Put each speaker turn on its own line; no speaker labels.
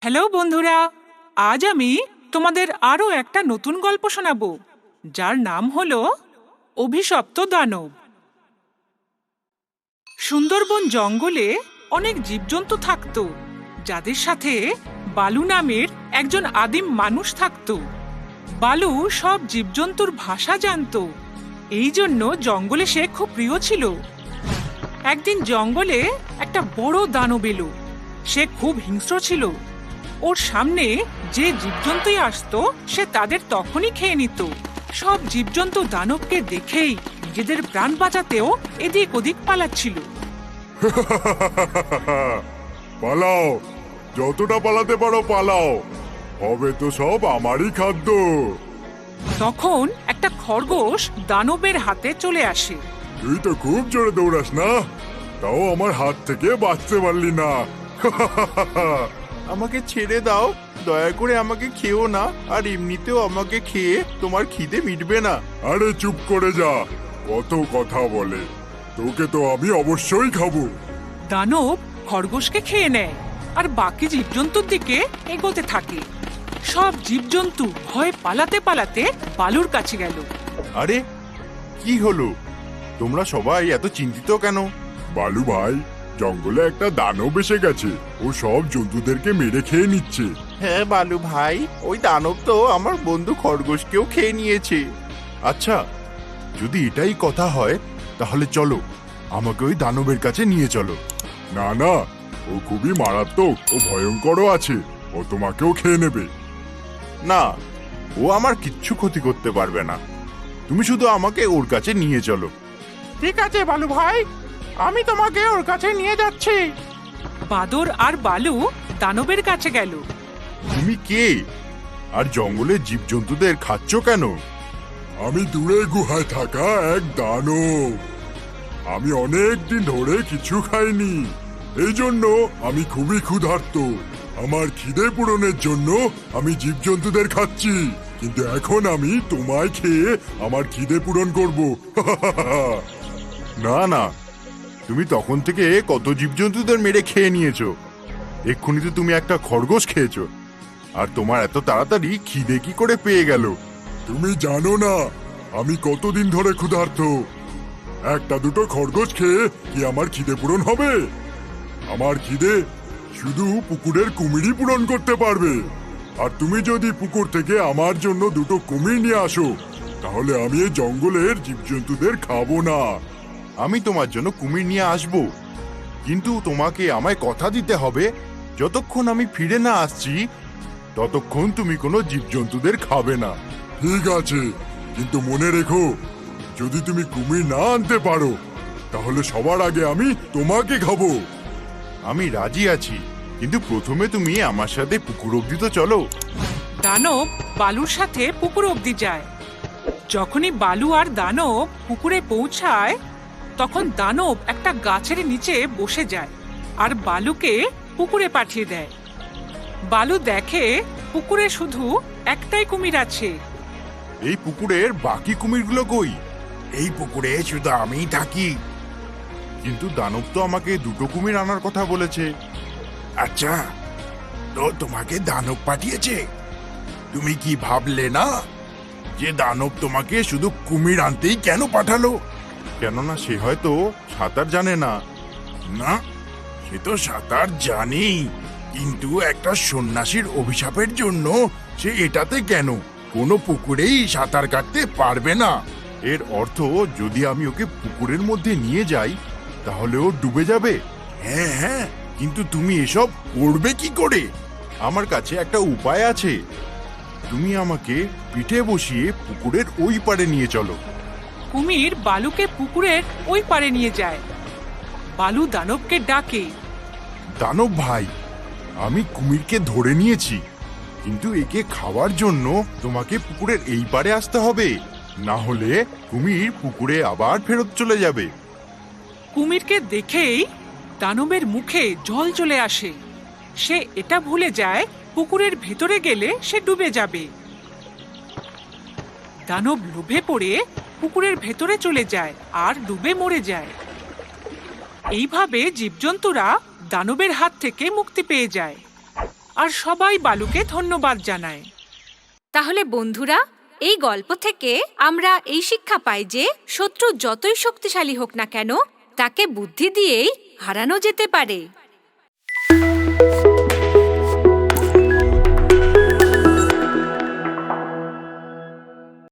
Hello বন্ধুরা, আজ আমি তোমাদের আরও একটা নতুন গল্প শোনাবো, যার নাম হলো অভিশপ্ত দানব। সুন্দরবন জঙ্গলে অনেক জীবজন্তু থাকতো, যাদের সাথে বালু নামের একজন আদিম মানুষ থাকতো। বালু সব জীবজন্তুর ভাষা জানতো, এই জন্য জঙ্গলে সে খুব প্রিয় ছিল। একদিন জঙ্গলে একটা বড় দানব এলো। সে খুব হিংস্র ছিল। ওর সামনে যে জীবজন্তুই আসতো সে তাদের তখনই খেয়ে নিত। সব জীবজন্তু দানবকে দেখেই নিজেদের প্রাণ বাঁচাতেও এদিক ওদিক পালাচ্ছিল।
পালাও, যতটা পালাতে পারো পালাও, হবে তো সব আমারই খাদ্য।
তখন একটা খরগোশ দানবের হাতে চলে আসে।
তুই তো খুব জোরে দৌড়াস না, তাও আমার হাত থেকে বাঁচতে পারলি না।
আমাকে ছেড়ে দাও, দয়া করে আমাকে খেও না। আর এমনিতেও আমাকে খেয়ে তোমার খিদে মিটবে না।
আরে চুপ করে যা, কত কথা বলে। তোকে তো আমি অবশ্যই খাবো।
দানব খরগোশকে খেয়ে নেয় আর বাকি জীবজন্তুর দিকে এগোতে থাকে। সব জীবজন্তু ভয়ে পালাতে পালাতে বালুর কাছে গেল।
আরে কি হলো, তোমরা সবাই এত চিন্তিত কেন?
বালু ভাই, জঙ্গলে একটা দানব এসে গেছে। ও সব জন্তুদেরকে মেরে খেয়ে নিচ্ছে।
হ্যাঁ বালু ভাই, ওই দানব তো আমার বন্ধু খরগোশকেও খেয়ে নিয়েছে। আচ্ছা, যদি এটাই কথা হয় তাহলে চলো, আমাকে ওই দানবের কাছে নিয়ে চলো।
না না, ও খুবই মারাত্মক ও ভয়ঙ্করও আছে। ও তোমাকেও খেয়ে নেবে।
না, ও আমার কিচ্ছু ক্ষতি করতে পারবে না। তুমি শুধু আমাকে ওর কাছে নিয়ে চলো।
ঠিক আছে বালু ভাই, আমি তোমাকে ওর কাছে নিয়ে যাচ্ছি।
বাদর আর বালু দানবের কাছে গেল।
তুমি কে, আর জঙ্গলে জীবজন্তুদের খাচ্ছ কেন?
আমি দূরে গুহায় থাকা এক দানব। আমি অনেক দিন ধরে কিছু খাইনি, এই জন্য আমি খুবই ক্ষুধার্ত। আমার খিদে পূরণের জন্য আমি জীবজন্তুদের খাচ্ছি, কিন্তু এখন আমি তোমায় খেয়ে আমার খিদে পূরণ করব।
না না, তুমি তখন থেকে কত জীবজন্তুদের মেরে খেয়ে নিয়েছো। এক্ষুনি তো তুমি একটা খরগোশ খেয়েছো, আর তোমার এত তাড়াতাড়ি খিদে কি করে পেয়ে গেল?
তুমি জানো না আমি কতদিন ধরে ক্ষুধার্ত। একটা দুটো খরগোশ খেয়ে কি আমার খিদে পূরণ হবে? আমার খিদে শুধু পুকুরের কুমিরই পূরণ করতে পারবে। আর তুমি যদি পুকুর থেকে আমার জন্য দুটো কুমির নিয়ে আসো, তাহলে আমি এই জঙ্গলের জীবজন্তুদের খাবো না।
আমি তোমার জন্য কুমির নিয়ে আসব, কিন্তু তোমাকে আমায় কথা দিতে হবে, যতক্ষণ আমি ফিরে না আসছি ততক্ষণ তুমি কোনো জীবজন্তুদের খাবে না।
ঠিক আছে, কিন্তু মনে রেখো, যদি তুমি কুমির না আনতে পারো তাহলে সবার আগে আমি তোমাকে খাবো।
আমি রাজি আছি, কিন্তু প্রথমে তুমি আমার সাথে পুকুর অব্দি তো চলো।
দানব বালুর সাথে পুকুর অবধি যায়। যখনই বালু আর দানব পুকুরে পৌঁছায়, তখন দানব একটা গাছের নিচে বসে যায় আর বালুকে পুকুরে পাঠিয়ে দেয়। বালু দেখে পুকুরে শুধু একটাই কুমির আছে।
এই পুকুরের বাকি কুমিরগুলো কই?
এই পুকুরে শুধু আমিই থাকি।
কিন্তু দানব তো আমাকে দুটো কুমির আনার কথা বলেছে।
আচ্ছা, তো তোমাকে দানব পাঠিয়েছে? তুমি কি ভাবলে না যে দানব তোমাকে শুধু কুমির আনতেই কেন পাঠালো?
কেননা সে হয়তো সাঁতার জানে না।
না, সে তো সাঁতার জানি, কিন্তু একটা সন্ন্যাসীর অভিশাপের জন্য সে এটাতে কেন কোনো পুকুরেই সাঁতার কাটতে পারবে না।
এর অর্থ, যদি আমি ওকে পুকুরের মধ্যে নিয়ে যাই তাহলে ও ডুবে যাবে।
হ্যাঁ হ্যাঁ, কিন্তু তুমি এসব করবে কি করে?
আমার কাছে একটা উপায় আছে। তুমি আমাকে পিঠে বসিয়ে পুকুরের ওই পারে নিয়ে চলো।
কুমির বালুকে পুকুরের ওই পারে নিয়ে যায়। বালু দানবকে ডাকে।
দানব ভাই, আমি কুমিরকে ধরে নিয়েছি, কিন্তু একে খাওয়ার জন্য তোমাকে পুকুরের এই পারে আসতে হবে, না হলে কুমির পুকুরে আবার ফেরত চলে যাবে।
কুমিরকে দেখেই দানবের মুখে জল চলে আসে। সে এটা ভুলে যায় পুকুরের ভেতরে গেলে সে ডুবে যাবে। দানব লোভে পড়ে পুকুরের ভেতরে চলে যায় আর ডুবে মরে যায়। এইভাবে জীবজন্তুরা দানবের হাত থেকে মুক্তি পেয়ে যায়। আর সবাই বালুকে ধন্যবাদ জানায়।
তাহলে বন্ধুরা, এই গল্প থেকে আমরা এই শিক্ষা পাই যে শত্রু যতই শক্তিশালী হোক না কেন, তাকে বুদ্ধি দিয়েই হারানো যেতে পারে।